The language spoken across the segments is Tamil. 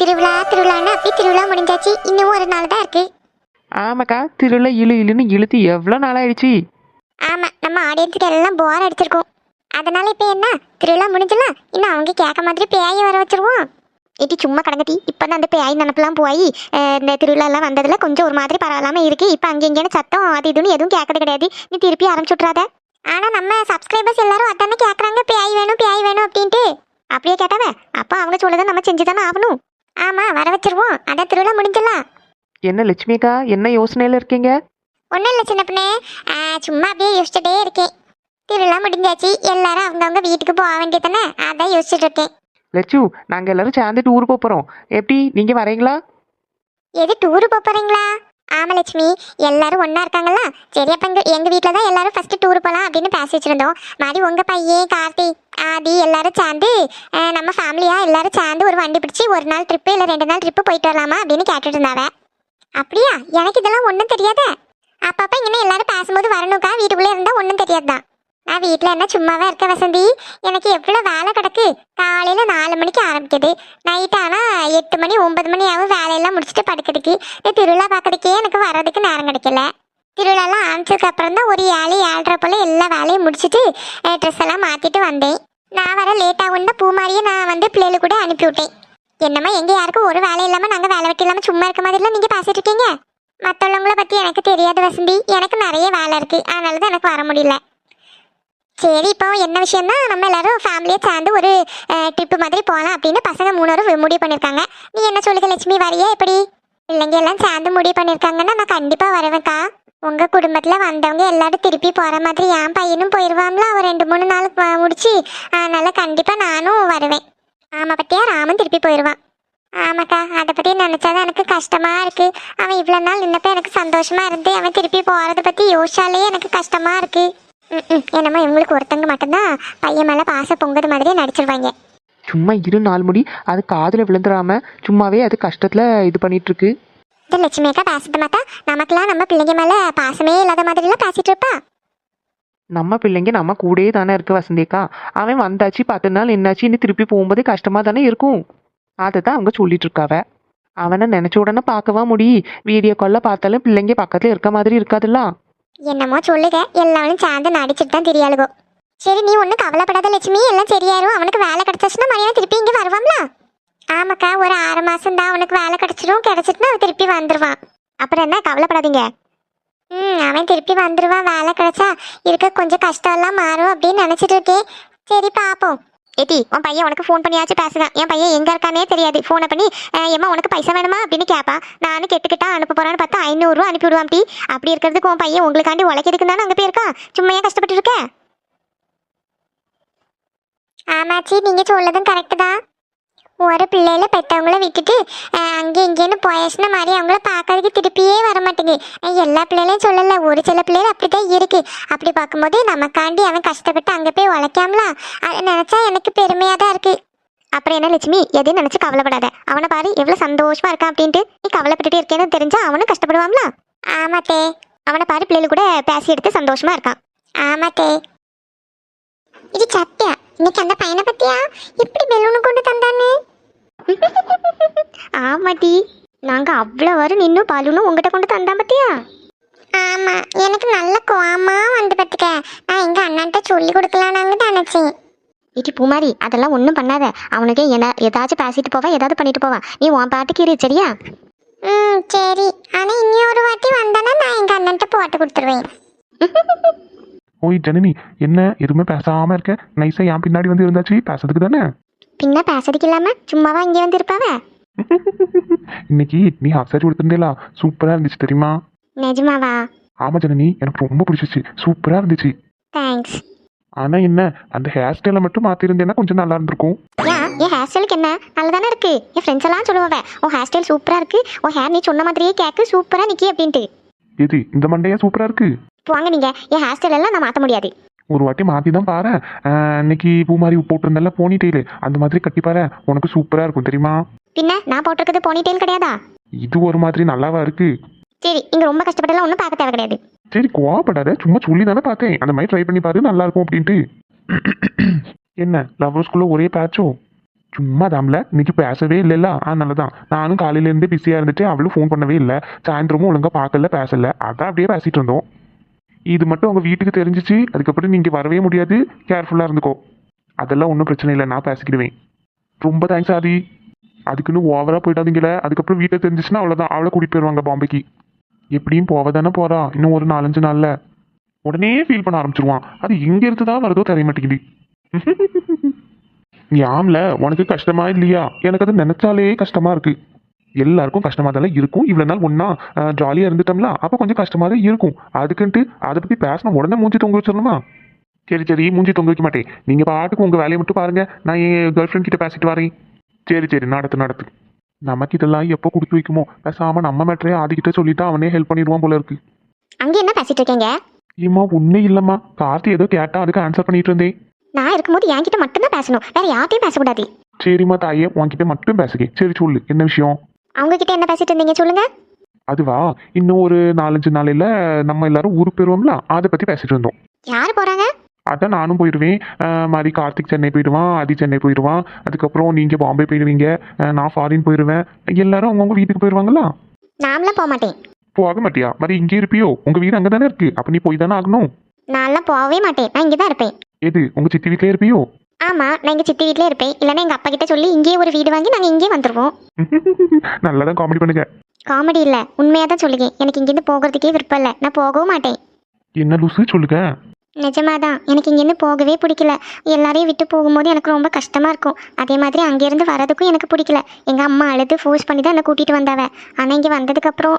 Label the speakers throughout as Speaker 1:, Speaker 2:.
Speaker 1: திருவிழான்னு அப்படி திருவிழா முடிஞ்சாச்சு. இன்னும் ஒரு நாள் தான் இருக்கு.
Speaker 2: ஆமாக்கா, திருவிழா இழுன்னு இழுத்து எவ்வளோ நாள் ஆயிடுச்சு.
Speaker 1: ஆமா, நம்ம ஆடியன்ஸுக்கு எல்லாம் போர் அடிச்சிருக்கோம். அதனால இப்ப என்ன, திருவிழா முடிஞ்சலாம் இன்னும் அவங்க கேட்க மாதிரி பேயை வர வச்சிருவோம். இட்டி சும்மா கடங்கட்டி. இப்பதான் அந்த பேய் நினப்பெல்லாம் போய் இந்த திருவிழா எல்லாம் வந்ததுல கொஞ்சம் ஒரு மாதிரி பரவாயில்லாம இருக்கு. இப்ப அங்கே இங்கேன்னு சத்தம் அது இதுன்னு எதுவும் கேட்கறது கிடையாது. நீ திருப்பி ஆரம்பிச்சுட்றாத. ஆனா நம்ம சப்ஸ்கிரைபர்ஸ் எல்லாரும் அதானே கேட்கறாங்க, பேய் வேணும் அப்படின்ட்டு. அப்படியே கேட்டாவே அப்போ அவங்க சொல்லதை நம்ம செஞ்சுதானே ஆகணும். ஆமா, வர வச்சிருவோம். அதான் திருவிழா முடிஞ்சலாம்.
Speaker 2: என்ன லட்சுமி அக்கா, என்ன யோசனையில இருக்கீங்க?
Speaker 1: ஒன்றும் இல்லை சின்ன பொண்ணு, சும்மா அப்படியே யோசிச்சுட்டே இருக்கேன். திருவிழா முடிஞ்சாச்சு, எல்லாரும் அவங்கவுங்க வீட்டுக்கு போக வேண்டியதானே, அதான் யோசிச்சுட்டு இருக்கேன்.
Speaker 2: லட்சு, நாங்கள் எல்லாரும் சேர்ந்து டூர் போகிறோம். எப்படி, நீங்கள் வரீங்களா?
Speaker 1: எது, டூரு போறீங்களா? ஆமா லட்சுமி, எல்லாரும் ஒன்றா இருக்காங்களா? சரி, அப்போ எங்கள் வீட்டில் தான் எல்லாரும் ஃபஸ்ட்டு டூர் போகலாம் அப்படின்னு பேசி வச்சுருந்தோம். மாதிரி உங்கள் பையன் கார்த்தி ஆதி எல்லாரும் சேர்ந்து நம்ம ஃபேமிலியாக எல்லாரும் சேர்ந்து ஒரு வண்டி பிடிச்சி ஒரு நாள் ட்ரிப்பு இல்லை 2 நாள் ட்ரிப்பு போயிட்டு வரலாமா அப்படின்னு கேட்டுட்டு இருந்தாவ. அப்படியா? எனக்கு இதெல்லாம் ஒன்றும் தெரியாதே. அப்பப்போ இங்கே எல்லாரும் பேசும்போது வரணுக்கா, வீட்டுக்குள்ளே இருந்தால் ஒன்றும் தெரியாது தான். நான் வீட்டில் என்ன சும்மாவே இருக்க வசந்தி, எனக்கு எவ்வளோ வேலை கிடக்கு. காலையில் 4 மணிக்கு ஆரம்பிக்குது, நைட் ஆனால் 8 மணி 9 மணி ஆகும் வேலையெல்லாம் முடிச்சுட்டு படுக்கிறதுக்கு. இந்த திருவிழா பார்க்கறதுக்கே எனக்கு வர்றதுக்கு நேரம் கிடைக்கல. திருவிழாலாம் ஆரம்பிச்சதுக்கு அப்புறம் தான் ஒரு 7 7:30 போல் எல்லா வேலையும் முடிச்சுட்டு ட்ரெஸ் எல்லாம் மாற்றிட்டு வந்தேன். நான் வர லேட் ஆகும்னா பூமாரியை நான் வந்து பிள்ளைகளு கூட அனுப்பி விட்டேன். என்னம்மா, எங்கள் யாருக்கும் ஒரு வேலை இல்லாமல் நாங்கள் வேலை வெட்டி இல்லாமல் சும்மா இருக்க மாதிரிலாம் நீங்கள் பேசிட்டு இருக்கீங்க. மற்றவங்கள பற்றி எனக்கு தெரியாது வசந்தி, எனக்கு நிறைய வேலை இருக்குது, அதனால தான் எனக்கு வர முடியல. சரி, இப்போ என்ன விஷயம்னா நம்ம எல்லாரும் ஃபேமிலியை சேர்ந்து ஒரு ட்ரிப்பு மாதிரி போகலாம் அப்படின்னு பசங்க 3 முடிவு பண்ணியிருக்காங்க. நீ என்ன சொல்லுங்க லட்சுமி, வரையா எப்படி? இல்லைங்க, எல்லாம் சேர்ந்து முடிவு பண்ணியிருக்காங்கன்னா நான் கண்டிப்பாக வருவேன்க்கா. உங்கள் குடும்பத்தில் வந்தவங்க எல்லாரும் திருப்பி போகிற மாதிரி என் பையனும் போயிடுவாங்களா ஒரு 2-3 நாள் முடிச்சு. அதனால் கண்டிப்பாக நானும் வருவேன். ஆமாம், பற்றியா ராமன் திருப்பி போயிடுவான். ஆமாக்கா, அதை பற்றி நினச்சாதான் எனக்கு கஷ்டமாக இருக்குது. அவன் இவ்வளோ நாள் நின்னப்போ எனக்கு சந்தோஷமாக இருந்து அவன் திருப்பி போகிறத பற்றி யோசிச்சாலே எனக்கு கஷ்டமாக இருக்குது. என்னம்மா, இவங்களுக்கு ஒருத்தங்க மட்டும்தான் பையன் மேலே பாச பொங்குற மாதிரியே நடிச்சிருவாங்க.
Speaker 2: சும்மா இரு நாள் முடி, அது காதில் விழுந்துடாம சும்மாவே அது கஷ்டத்தில் இது பண்ணிட்டு இருக்கு.
Speaker 1: இந்த லட்சுமி அக்கா பேசிட்டு மாட்டா, நமக்குலாம் நம்ம பிள்ளைங்க மேலே பாசமே இல்லாத மாதிரிலாம் பேசிட்டு இருப்பா.
Speaker 2: நம்ம பிள்ளைங்க நம்ம கூடயே தானே இருக்கு வசந்திக்கா. அவன் வந்தாச்சு 10 நாள் என்னாச்சு, இன்னும் திருப்பி போகும்போது கஷ்டமா தானே இருக்கும். அதை தான் அவங்க சொல்லிட்டு இருக்காவ. அவனை நினைச்ச உடனே பார்க்கவா முடியும்? வீடியோ காலில் பார்த்தாலும் பிள்ளைங்க பக்கத்துல இருக்க மாதிரி இருக்காதுல்ல.
Speaker 1: என்னமோ சொல்லுங்க, எல்லாரும் சேர்ந்து நடிச்சுட்டு தான் தெரியாளுகோ. சரி, நீ ஒன்றும் கவலைப்படாத லட்சுமி, எல்லாம் சரியாயிரும். அவனுக்கு வேலை கிடைச்சிச்சுன்னா மணியான திருப்பி இங்கே வருவாங்களா? ஆமாக்கா, ஒரு 6 மாசம் தான் அவனுக்கு வேலை கிடைச்சிட்டுனா அவன் திருப்பி வந்துடுவான். அப்புறம் என்ன, கவலைப்படாதீங்க. அவன் திருப்பி வந்துடுவான். வேலை கிடைச்சா இருக்க கொஞ்சம் கஷ்டம்லாம் மாறும் அப்படின்னு நினச்சிட்டு இருக்கேன். சரி, பார்ப்போம். ஏட்டி, உன் பையன் உனக்கு ஃபோன் பண்ணியாச்சும் பேசுதான். என் பையன் எங்கே இருக்கானே தெரியாது. ஃபோனை பண்ணி எம்மா உனக்கு பைசா வேணுமா அப்படின்னு கேட்பா. நானும் கெட்டுக்கிட்டா அனுப்ப போகிறான்னு பார்த்தா 500 ரூபா அனுப்பி விடுவான். அப்படி இருக்கிறதுக்கு உன் பையன் உங்களுக்காண்டி உழைக்கிறதுக்கு தானே அங்கே போயிருக்கா. சும்மா ஏன் கஷ்டப்பட்டு இருக்க? ஆமாச்சி, நீங்கள் சொல்லதும் கரெக்டு தான். ஒரு பிள்ளையில பெற்றவங்கள விட்டுட்டு அங்கே இங்கேன்னு போயாச்சுன்னா மாதிரி அவங்கள பார்க்கறதுக்கு திருப்பியே வர மாட்டேங்குது. எல்லா பிள்ளைகளையும் சொல்லலை, ஒரு சில பிள்ளைகள் அப்படிதான் இருக்கு. அப்படி பார்க்கும்போது நமக்காண்டி அவன் கஷ்டப்பட்டு அங்கே போய் உழைக்காமலாம், அதை நினச்சா எனக்கு பெருமையாக தான் இருக்கு. அப்புறம் என்ன லட்சுமி, எதையும் நினச்சி கவலைப்படாத. அவனை பாரு எவ்வளோ சந்தோஷமா இருக்கான் அப்படின்ட்டு. நீ கவலைப்பட்டுட்டு இருக்கேன்னு தெரிஞ்சா அவனும் கஷ்டப்படுவாங்களா? ஆமாத்தே. அவனை பாரு பிள்ளைகள் கூட பேசி எடுத்து சந்தோஷமா இருக்கான். ஆமாத்தே. இது சத்தியா, இன்னைக்கு அந்த பையனை பத்தியா இப்படி பெலூனு கொண்டு தந்தானு? ஆமாட்டி, நாங்க அவ்வளோ வரும் நின்னும் பலூனும் உங்ககிட்ட கொண்டு தந்தா பத்தியா? ஆமா, எனக்கு நல்ல கோவமா வந்து பத்துக்க. நான் எங்க அண்ணன்ட்ட சொல்லி கொடுக்கலான்னு நினைச்சேன். இட்டி பூமாரி, அதெல்லாம் ஒன்றும் பண்ணாத. அவனுக்கு என்ன ஏதாச்சும் பேசிட்டு போவான், ஏதாவது பண்ணிட்டு போவான். நீ உன் பாட்டுக்கு இரு, சரியா? சரி. ஆனா இனி ஒரு வாட்டி வந்தானா நான் எங்க அண்ணன்ட்ட போட்டு கொடுத்துருவேன்.
Speaker 3: ஓய் ஜனனி, என்ன எதுவுமே பேசாம இருக்க? நைஸா என் பின்னாடி வந்து இருந்தாச்சு, பேசுறதுக்கு தானே.
Speaker 1: பின்ன பேசுறதுக்கு இல்லாம சும்மாவா இங்கே வந்து இருப்பாவ?
Speaker 3: இன்னைக்கு நீ ஹாஃப் சாரி கொடுத்துருந்தேலா, சூப்பரா இருந்துச்சு தெரியுமா?
Speaker 1: நிஜமாவா?
Speaker 3: ஆமா ஜனனி, எனக்கு ரொம்ப பிடிச்சிச்சு, சூப்பரா இருந்துச்சு.
Speaker 1: தேங்க்ஸ்.
Speaker 3: ஆனா என்ன, அந்த ஹேர் ஸ்டைலை மட்டும் மாத்திருந்தேன்னா கொஞ்சம் நல்லா இருந்திருக்கும்.
Speaker 1: என் ஹேர் ஸ்டைலுக்கு என்ன, நல்லதானே இருக்கு. என் ஃப்ரெண்ட்ஸ் எல்லாம் சொல்லுவாங்க, உன் ஹேர் ஸ்டைல் சூப்பரா இருக்கு, உன் ஹேர் நீ சொன்ன மாதிரியே கேக்கு சூப்பரா நிக்கி அப்படின்ட்டு.
Speaker 3: எது இந்த மண்டையா சூப்பரா இருக்கு?
Speaker 1: வாங்க, நீங்க என் ஹேர் ஸ்டைல் எல்லாம் நான் மாற்ற முடியாது.
Speaker 3: ஒரு வாட்டி மாத்தி தான் பாரு. இன்னைக்கு பூ மாதிரி போட்டிருந்தல போனி டெய்லு, அந்த மாதிரி கட்டி பாரு, உனக்கு சூப்பரா இருக்கும் தெரியுமா?
Speaker 1: பின்ன நான் போட்டிருக்கிறது போனி டெயில் கிடையாதா?
Speaker 3: இது ஒரு மாதிரி நல்லாவா இருக்கு?
Speaker 1: சரி, இங்க ரொம்ப கஷ்டப்பட்டெல்லாம் ஒன்றும் பார்க்க தேவை கிடையாது.
Speaker 3: சரி, கோவப்படாத, சும்மா சொல்லி தானே பார்த்தேன். அந்த மாதிரி ட்ரை பண்ணி பாரு, நல்லா இருக்கும் அப்படின்ட்டு. என்ன லவ்வர்ஸ்குள்ள ஒரே பேட்சோ? சும்மா தாம்ல இன்னைக்கு பேசவே இல்லைல்ல அதனால தான் நானும் காலையிலேருந்தே பிஸியாக இருந்துட்டு அவளும் ஃபோன் பண்ணவே இல்லை. சாயந்தரமும் ஒழுங்காக பார்க்கல பேசல அதான் அப்படியே பேசிட்டு இருந்தோம். இது மட்டும் உங்கள் வீட்டுக்கு தெரிஞ்சிச்சு அதுக்கப்புறம் நீங்கள் வரவே முடியாது. கேர்ஃபுல்லாக இருந்துக்கோ. அதெல்லாம் ஒன்றும் பிரச்சனை இல்லை, நான் பேசிக்கிடுவேன். ரொம்ப தேங்க்ஸ் ஆதி. அதுக்குன்னு ஓவராக போயிட்டாதீங்களே, அதுக்கப்புறம் வீட்டை தெரிஞ்சிச்சுன்னா அவ்வளோதான், அவளை கூட்டிகிட்டு போயிடுவாங்க பாம்பேக்கு. எப்படியும் போவ தானே போகிறா, இன்னும் ஒரு 4-5 நாளில் உடனே ஃபீல் பண்ண ஆரம்பிச்சிருவான். அது எங்கே இருந்து தான் வருதோ தெரிய மாட்டேங்குது. ஆம்ல உனக்கு கஷ்டமா இல்லையா? எனக்கு அது நினைச்சாலே கஷ்டமா இருக்கு. எல்லாருக்கும் கஷ்டமா தான் இருக்கும். இவ்வளவு நாள் ஒன்னா ஜாலியா இருந்துட்டோம்ல, அப்ப கொஞ்சம் கஷ்டமா தான் இருக்கும். அதுக்குன்ட்டு அதை பத்தி பேசணும் உடனே மூஞ்சி தொங்க வச்சிடணுமா? சரி சரி, மூஞ்சி தொங்க வைக்க மாட்டேன். நீங்க பாட்டுக்கு உங்க வேலையை மட்டும் பாருங்க, நான் என் கேர்ள் ஃப்ரெண்ட் கிட்ட பேசிட்டு வரேன். சரி சரி, நடத்து. நமக்கு இதெல்லாம் எப்போ கொடுத்து வைக்குமோ, பேசாம நம்ம மேட்டரே ஆதிக்கிட்ட சொல்லிட்டா அவனே ஹெல்ப் பண்ணிடுவான் போல இருக்கு.
Speaker 1: அங்க என்ன பேசிட்டு இருக்கீங்க?
Speaker 3: ஏம்மா ஒன்றும் இல்லைம்மா, கார்த்தி ஏதோ கேட்டா அதுக்கு ஆன்சர் பண்ணிட்டு இருந்தேன்.
Speaker 1: நான் இருக்கும்போது என்கிட்ட மட்டும்தான் பேசணும், வேற யார்ட்டையும் பேசக்கூடாது.
Speaker 3: சரிம்மா தாயே, உன்கிட்ட மட்டும் பேசுகிறேன். சரி சொல்லு, என்ன விஷயம்?
Speaker 1: அவங்க கிட்ட என்ன பேசிட்டு இருந்தீங்க சொல்லுங்க.
Speaker 3: அதுவா, இன்னும் ஒரு 4-5 நாளையில நம்ம எல்லாரும் ஊருக்கு போயிருவோம்ல, அதை பத்தி பேசிட்டு இருந்தோம்.
Speaker 1: யாரு போறாங்க?
Speaker 3: அதான் நானும் போயிடுவேன். மாதிரி கார்த்திக் சென்னை போயிடுவான், ஆதி சென்னை போயிடுவான். அதுக்கப்புறம் நீங்க பாம்பே போயிடுவீங்க, நான் ஃபாரின் போயிடுவேன். எல்லாரும் அவங்கவுங்க வீட்டுக்கு போயிடுவாங்களா?
Speaker 1: நான்லாம் போக மாட்டேன்.
Speaker 3: போக மாட்டியா? மாதிரி இங்கே இருப்பியோ? உங்க வீடு அங்கே தானே இருக்கு, அப்ப நீ போய் தானே ஆகணும்.
Speaker 1: நான்லாம் போகவே மாட்டேன், நான் இங்கே தான் இருப்பேன்.
Speaker 3: எது, உங்க சித்தி வீட்டிலே இருப்பியோ?
Speaker 1: ஆமா, நான் எங்க சித்தி வீட்லயே இருப்பேன். இல்லைன்னா எங்க அப்பா கிட்ட சொல்லி இங்கேயே ஒரு வீடு வாங்கி நாங்க இங்கே வந்துருவோம்.
Speaker 3: நல்லாதான் காமெடி பண்ணுங்க.
Speaker 1: காமெடி இல்ல, உண்மையா தான் சொல்லுங்க. எனக்கு இங்கிருந்து போகிறதுக்கே விருப்பம் இல்லை, நான் போகவும் மாட்டேன்.
Speaker 3: என்ன லூசு சொல்லுங்க.
Speaker 1: நிஜமாதான், எனக்கு இங்கேருந்து போகவே பிடிக்கல. எல்லாரையும் விட்டு போகும்போது எனக்கு ரொம்ப கஷ்டமா இருக்கும். அதே மாதிரி அங்கேருந்து வரதுக்கும் எனக்கு பிடிக்கல. எங்க அம்மா அழுது ஃபோர்ஸ் பண்ணி தான் என்னை கூட்டிட்டு வந்தாவ. ஆனா இங்க வந்ததுக்கு அப்புறம்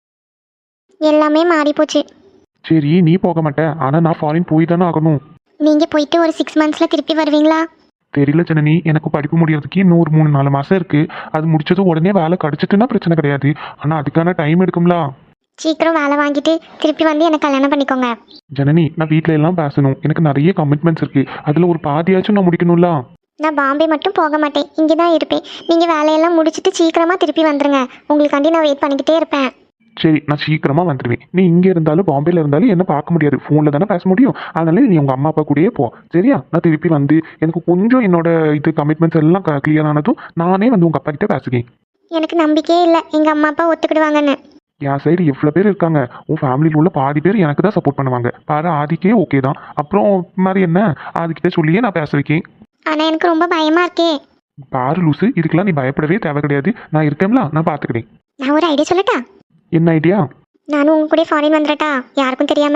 Speaker 1: எல்லாமே மாறி போச்சு.
Speaker 3: சரி நீ போக மாட்டே, ஆனா நான் ஃபாரின் போய் தானே ஆகணும்.
Speaker 1: நீங்க போயிட்டு ஒரு 6 monthsல திருப்பி வருவீங்களா?
Speaker 3: தெரியல ஜனனி, எனக்கு படிப்பு முடியறதுக்கு இன்னும் ஒரு 3-4 மாசம் இருக்கு. அது முடிச்சது உடனே வேலை கிடைச்சிட்டுன்னா பிரச்சனை கிடையாது. ஆனா அதுக்கான டைம் எடுக்கும்ல.
Speaker 1: சீக்கிரம் வேலை வாங்கிட்டு திருப்பி வந்து எனக்கு கல்யாணம் பண்ணிக்கோங்க.
Speaker 3: ஜனனி, நான் வீட்ல எல்லாம் பேசணும். எனக்கு நிறைய கமிட்மெண்ட்ஸ் இருக்கு, அதுல ஒரு பாதியாச்சும் நான் முடிக்கணும்ல.
Speaker 1: நான் பாம்பே மட்டும் போக மாட்டேன், இங்கே தான் இருப்பேன். நீங்க வேலையெல்லாம் முடிச்சிட்டு சீக்கிரமா திருப்பி வந்துருங்க. உங்களுக்காண்டி நான் வெயிட் பண்ணிக்கிட்டே இருப்பேன்.
Speaker 3: சரி, நான் சீக்கிரமா வந்துடுவேன். நீ இங்க இருந்தாலும் பாம்பேல இருந்தாலும் என்ன பார்க்க முடியாது, போன்ல தானே பேச முடியும். அதனால நீ உங்க அம்மா அப்பா கூடயே போ, சரியா? நான் திருப்பி வந்து எனக்கு கொஞ்சம் என்னோட இது கமிட்மெண்ட்ஸ் எல்லாம் கிளியர் ஆனதும் நானே வந்து உங்க அப்பா கிட்ட பேசுகிறேன்.
Speaker 1: எனக்கு நம்பிக்கையே இல்லை எங்க அம்மா அப்பா ஒத்துக்கிடுவாங்கன்னு.
Speaker 3: என் சைடு எவ்வளோ பேர் இருக்காங்க, உன் ஃபேமிலியில் உள்ள பாதி பேர் எனக்கு தான் சப்போர்ட் பண்ணுவாங்க. பாரு, ஆதிக்கே ஓகே தான். அப்புறம் மாதிரி என்ன, ஆதிக்கிட்ட சொல்லியே நான் பேச வைக்கேன்.
Speaker 1: ஆனா எனக்கு ரொம்ப பயமா இருக்கே.
Speaker 3: பாரு லூசு, இதுக்கெல்லாம் நீ பயப்படவே தேவை கிடையாது. நான் இருக்கேன்ல, நான் பார்த்துக்கிறேன்.
Speaker 1: நான் ஒரு ஐடியா சொல்லட்டா?
Speaker 3: என்ன ஐடியா?
Speaker 1: நானும் உங்க கூட ஃபாரின் வந்துடட்டா, யாருக்கும் தெரியாம.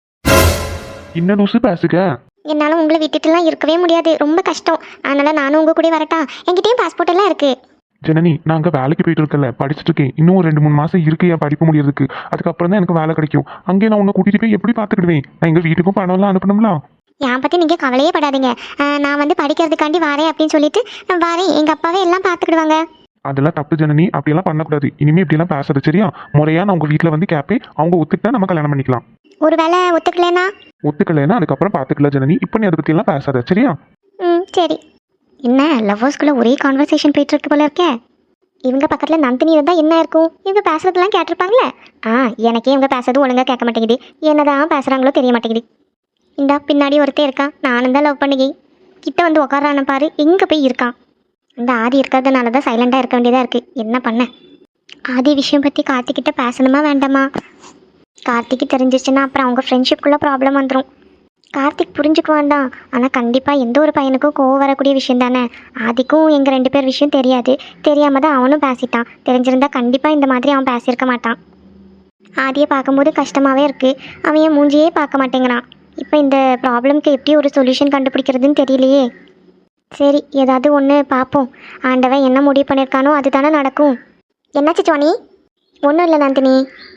Speaker 3: என்ன லூசு பேசுக?
Speaker 1: என்னால உங்களை விட்டுட்டுலாம் இருக்கவே முடியாது, ரொம்ப கஷ்டம். அதனால நானும் உங்க கூட வரட்டா? என்கிட்டயும் பாஸ்போர்ட் எல்லாம் இருக்கு.
Speaker 3: ஜனனி, நான் அங்கே வேலைக்கு போயிட்டு இருக்கல, படிச்சுட்டு இருக்கேன். இன்னும் ஒரு 2-3 மாசம் இருக்கு என் படிப்பு முடியறதுக்கு. அதுக்கப்புறம் தான் எனக்கு வேலை கிடைக்கும். அங்கே நான் உன்னை கூட்டிட்டு போய் எப்படி பார்த்துக்கிடுவேன்? நான் எங்கள் வீட்டுக்கும் பணம்லாம் அனுப்பணும்ல.
Speaker 1: என் பத்தி நீங்க கவலையே படாதீங்க. நான் வந்து படிக்கிறதுக்காண்டி வரேன் அப்படின்னு சொல்லிட்டு நான் வரேன். எங்க அப்பாவே எல்லாம் பார்த்துக்கிடுவாங்க.
Speaker 3: அதெல்லாம் தப்பு ஜனனி, அப்படியெல்லாம் பண்ணக்கூடாது. இனிமே இப்படியெல்லாம் பேசுறது சரியா? முறையா நான் உங்க வீட்டில் வந்து கேட்பேன். அவங்க ஒத்துக்கிட்டா நம்ம கல்யாணம் பண்ணிக்கலாம்.
Speaker 1: ஒருவேளை ஒத்துக்கலனா?
Speaker 3: ஒத்துக்கலைன்னா அதுக்கப்புறம் பார்த்துக்கலாம் ஜனனி. இப்போ நீ அதை பற்றியெல்லாம் பேசாத, சரியா?
Speaker 1: சரி. என்ன லவ்வர்ஸ்குள்ள ஒரே கான்வர்சேஷன் போயிட்டு இருக்கு போல இருக்கே. இவங்க பக்கத்துல நந்தினி இருந்தா என்ன இருக்கும்? இவங்க பேசுறதெல்லாம் கேட்டிருப்பாங்களே. எனக்கே இவங்க பேசுறது ஒழுங்கா கேட்க மாட்டேங்குது. என்னதான் பேசுறாங்களோ தெரிய மாட்டேங்குது. இந்தா பின்னாடி ஒருத்தே இருக்கான், நானும் தான் லவ் பண்ணுகி. கிட்ட வந்து உக்காரான பாரு, எங்க போய் இருக்கான். இந்த ஆதி இருக்கிறதுனால தான் சைலண்டா இருக்க வேண்டியதா இருக்கு. என்ன பண்ண? ஆதி விஷயம் பத்தி கார்த்திக்கிட்ட பேசணுமா வேண்டாமா? கார்த்திக்கு தெரிஞ்சிச்சுன்னா அப்புறம் அவங்க ஃப்ரெண்ட்ஷிப்குள்ள ப்ராப்ளம் வந்துடும். கார்த்திக் புரிஞ்சுக்குவான் தான், ஆனால் கண்டிப்பாக எந்த ஒரு பையனுக்கும் கோவம் வரக்கூடிய விஷயம் தானே. ஆதிக்கும் எங்கள் 2 பேர் விஷயம் தெரியாது, தெரியாமல் தான் அவனும் பேசிட்டான். தெரிஞ்சிருந்தா கண்டிப்பாக இந்த மாதிரி அவன் பேசியிருக்க மாட்டான். ஆதியை பார்க்கும்போது கஷ்டமாகவே இருக்குது. அவன் என் மூஞ்சியே பார்க்க மாட்டேங்கிறான். இப்போ இந்த ப்ராப்ளம்க்கு எப்படி ஒரு சொல்யூஷன் கண்டுபிடிக்கிறதுன்னு தெரியலையே. சரி, ஏதாவது ஒன்று பார்ப்போம். ஆண்டவன் என்ன முடிவு பண்ணியிருக்கானோ அதுதானே நடக்கும். என்னாச்சு ஜோனி? ஒன்றும் இல்லை நந்தினி.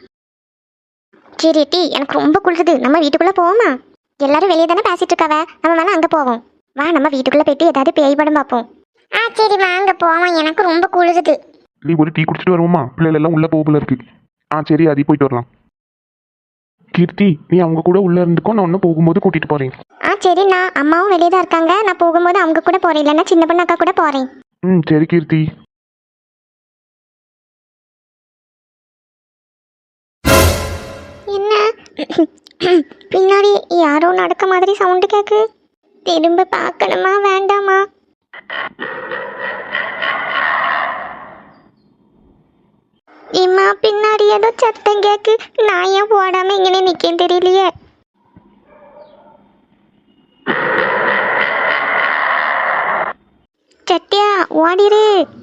Speaker 1: சரி டி, எனக்கு ரொம்ப குளிருது, நம்ம வீட்டுக்குள்ளே போவோமா? எல்லாரும் வெளியே தானே பேசிட்டு இருக்காவ, நம்ம வேணா அங்கே போவோம். வா, நம்ம வீட்டுக்குள்ளே போயிட்டு ஏதாவது பேய் படம் பார்ப்போம். சரி வாங்க போவோம், எனக்கு ரொம்ப குளிருது.
Speaker 3: நீ ஒரு டீ குடிச்சிட்டு வருவோமா? பிள்ளைகள் எல்லாம் உள்ள போகல இருக்கு. சரி, அது போயிட்டு வரலாம். கீர்த்தி, நீ அவங்க கூட உள்ள இருந்துக்கோ, நான் ஒன்று போகும்போது கூட்டிட்டு போறேன்.
Speaker 1: சரி, நான் அம்மாவும் வெளியே தான் இருக்காங்க, நான் போகும்போது அவங்க கூட போறேன், இல்லைன்னா சின்ன பொண்ணு அக்கா கூட போறேன்.
Speaker 3: சரி கீர்த்தி.
Speaker 1: என்ன பின்னாடி யாரோ நடக்க மாதிரி சவுண்டு கேக்கு. திரும்ப பார்க்கணுமா வேண்டாமா? இம்மா பின்னாடி ஏதோ சத்தம் கேக்கு. நான் ஏன் போடாம இங்கே நிக்கேன்னு தெரியலையே. சத்யா ஓடிரு.